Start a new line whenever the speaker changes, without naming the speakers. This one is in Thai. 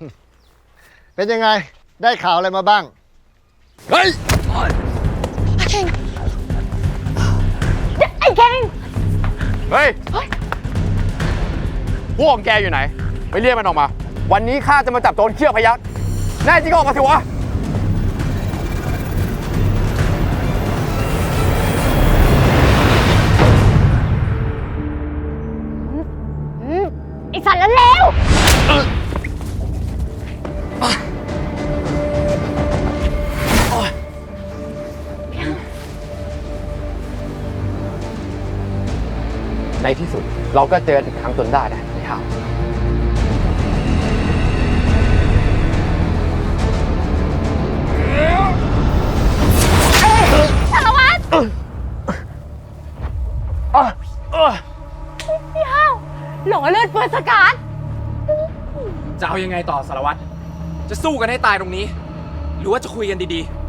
เป็นยังไงได้ข่าวอะไรมาบ้าง
เฮ้ย
เก่งไอ้เก่ง
เฮ้ยพวกแกอยู่ไหนไปเรียกมันออกมาวันนี้ข้าจะมาจับโจรเขี้ยวพยัคฆ์แน่จริงก็ออกมาสิวะ
ไอ้สัตว์เลว
ในที่สุดเราก็เจออีกครั้งจนได้นะพี่ข้าว
สารวัตรพี่ห้าวหลงเลือดเปิดสกัด
จะเอายังไงต่อสารวัตรจะสู้กันให้ตายตรงนี้ หรือว่าจะคุยกันดีๆ